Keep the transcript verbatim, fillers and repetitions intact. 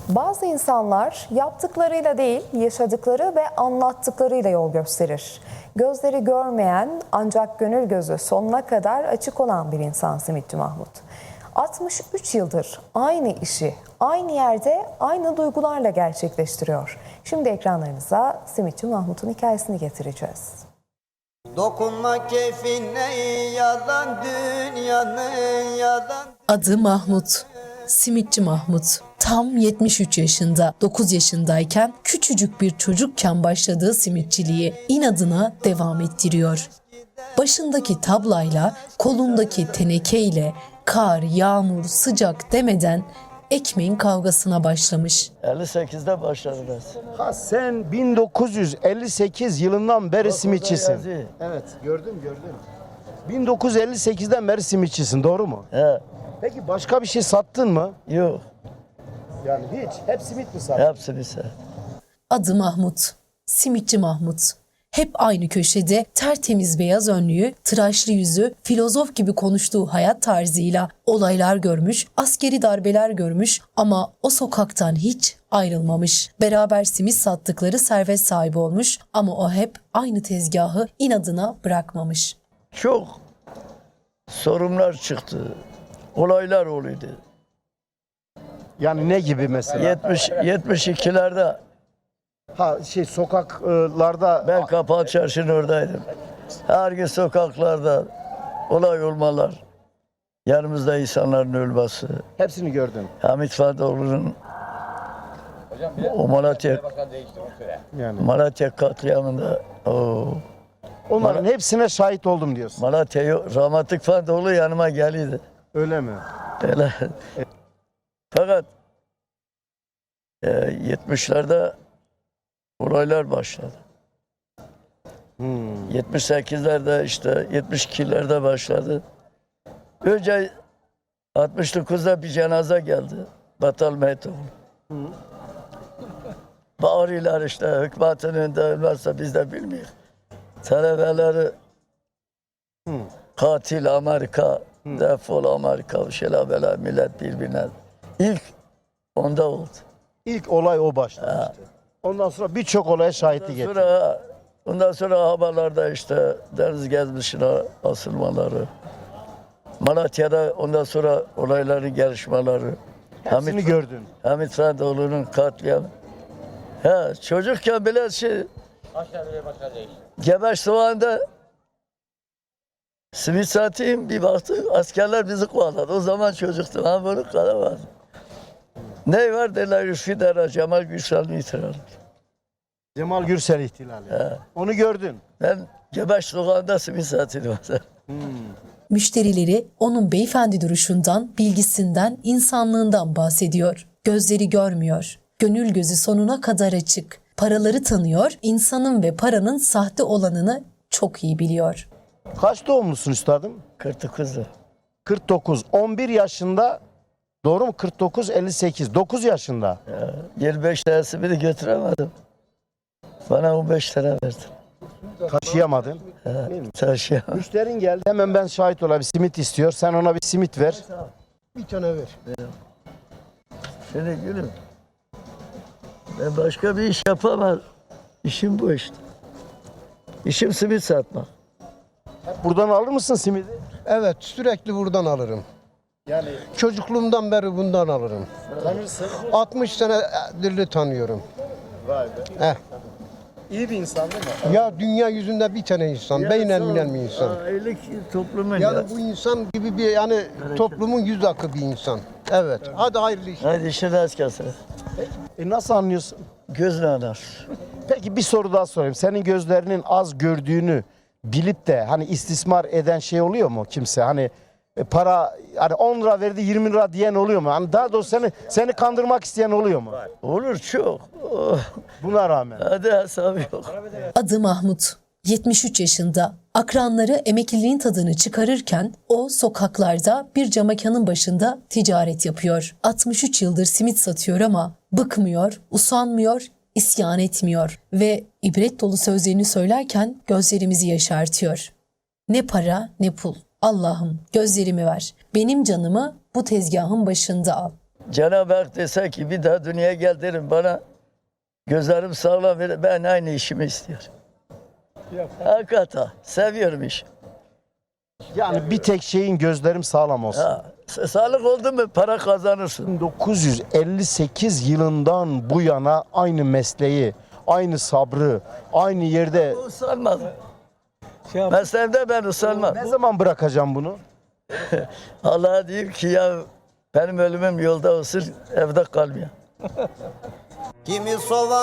Bazı insanlar yaptıklarıyla değil, yaşadıkları ve anlattıklarıyla yol gösterir. Gözleri görmeyen ancak gönül gözü sonuna kadar açık olan bir insan Simitçi Mahmut. altmış üç yıldır aynı işi, aynı yerde, aynı duygularla gerçekleştiriyor. Şimdi ekranlarınıza Simitçi Mahmut'un hikayesini getireceğiz. Dokunma keyfine yalan dünyanın yalan. Adı Mahmut. Simitçi Mahmut. Tam yetmiş üç yaşında, dokuz yaşındayken küçücük bir çocukken başladığı simitçiliği inadına devam ettiriyor. Başındaki tablayla, kolundaki tenekeyle kar, yağmur, sıcak demeden ekmeğin kavgasına başlamış. elli sekizde başladım ben. Ha sen bin dokuz yüz elli sekiz yılından beri simitçisin. yazıyor. Evet, gördüm gördüm. bin dokuz yüz elli sekizden beri simitçisin, doğru mu? He, Peki başka bir şey sattın mı? yok. Yani hiç. Hep simit mi sattın? Hepsini sen. Adı Mahmut. Simitçi Mahmut. Hep aynı köşede tertemiz beyaz önlüğü, tıraşlı yüzü, filozof gibi konuştuğu hayat tarzıyla olaylar görmüş, askeri darbeler görmüş ama o sokaktan hiç ayrılmamış. Beraber simit sattıkları servet sahibi olmuş ama o hep aynı tezgahı inadına bırakmamış. Çok sorunlar çıktı. Olaylar oluyordu. Yani ne gibi mesela? yetmiş yetmiş ikilerde Ha şey sokaklarda ben Kapalı Çarşı'nın oradaydım. Her gün sokaklarda olay olmalar. Yanımızda insanların ölmesi. hepsini gördün. Hamit Fadoğlu'nun o Malatya, Yani Malatya katliamında o onların hepsine şahit oldum diyorsun. Malatya rahmetlik Fadoğlu yanıma geliydi. Öyle mi? Öyle. Fakat e, yetmişlerde olaylar başladı. Hmm. yetmiş sekizlerde işte yetmiş ikilerde başladı. Önce altmış dokuzda bir cenaze geldi. Batal Mehtoğlu. Bağırıyorlar işte hükümetin önünde ölmezse biz de bilmiyoruz. Talebeleri Hmm. katil Amerika, defol Amerika, bir şeyler böyle millet birbirine. İlk onda oldu. İlk olay o başlamıştı. Ondan sonra birçok olaya şahitlik ettin. Sonra, ondan sonra haberlerde işte deniz gezmişine asılmaları. Malatya'da ondan sonra olayların gelişmeleri. Hepsini gördün. Hamit Fadoğlu'nun katliamı. He, çocukken bile şey... Gebeş Soğan'da simit satayım bir baktık askerler bizi kovaladı. O zaman çocuktum ama bunu kalamadım. Ne var derler Üsküdar'a Cemal Gürsel'in itirazı. Cemal Gürsel ihtilali. He. Onu gördün. Ben Gebeş Soğan'da simit satıyordum. Müşterileri onun beyefendi duruşundan, bilgisinden, insanlığından bahsediyor. Gözleri görmüyor. Gönül gözü sonuna kadar açık. Paraları tanıyor, insanın ve paranın sahte olanını çok iyi biliyor. Kaç doğumlusun üstadım? kırk dokuz'da. kırk dokuz. on bir yaşında, doğru mu? kırk dokuz, elli sekiz. dokuz yaşında. yirmi beş tanesini de götüremedim. Bana on beş lira verdi. Taşıyamadın. Taşıyamam. Müşterin geldi. Hemen ben şahit olayım. Simit istiyor. Sen ona bir simit ver. Bir tane ver. Şimdi gülüm. Ben başka bir iş yapamam. İşim bu işte. İşim simit satmak. Buradan alır mısın simidi? Evet, sürekli buradan alırım. Yani Çocukluğumdan beri bundan alırım. tanırsın. altmış senedir tanıyorum. Vay be. Heh. İyi bir insan değil mi? Ya dünya yüzünde bir tane insan, beynen minen bir insan. Ailelik toplumun ya. Yani bu insan gibi bir yani toplumun yüz akı bir insan. Evet. Hadi hayırlı işler. Hadi işin rast gelsin. E nasıl anlıyorsun? Gözle anar. Peki bir soru daha sorayım. Senin gözlerinin az gördüğünü bilip de hani istismar eden şey oluyor mu kimse? Hani e, para hani on lira verdi yirmi lira diyen oluyor mu? Hani daha doğrusu seni seni kandırmak isteyen oluyor mu? Olur çok. Oh, Buna rağmen. hadi hesabı yok. Adı Mahmut. yetmiş üç yaşında. Akranları emekliliğin tadını çıkarırken o sokaklarda bir camakanın başında ticaret yapıyor. altmış üç yıldır simit satıyor ama bıkmıyor, usanmıyor, isyan etmiyor ve ibret dolu sözlerini söylerken gözlerimizi yaşartıyor. Ne para ne pul. Allah'ım gözlerimi ver. Benim canımı bu tezgahın başında al. Cenab-ı Hak dese ki bir daha dünyaya gel derim bana gözlerim sağlam verir, ben aynı işimi istiyorum. Hakikaten seviyorum işi. Yani bir tek şeyin gözlerim sağlam olsun. Ha, sa- sağlık oldu mu para kazanırsın. bin dokuz yüz elli sekiz yılından bu yana aynı mesleği, aynı sabrı, aynı yerde Usanmadım. Mesleğimde ben usanmam. ne zaman bırakacağım bunu? Allah'a diyeyim ki ya benim ölümüm yolda olsun evde kalmıyor. Kimi soğan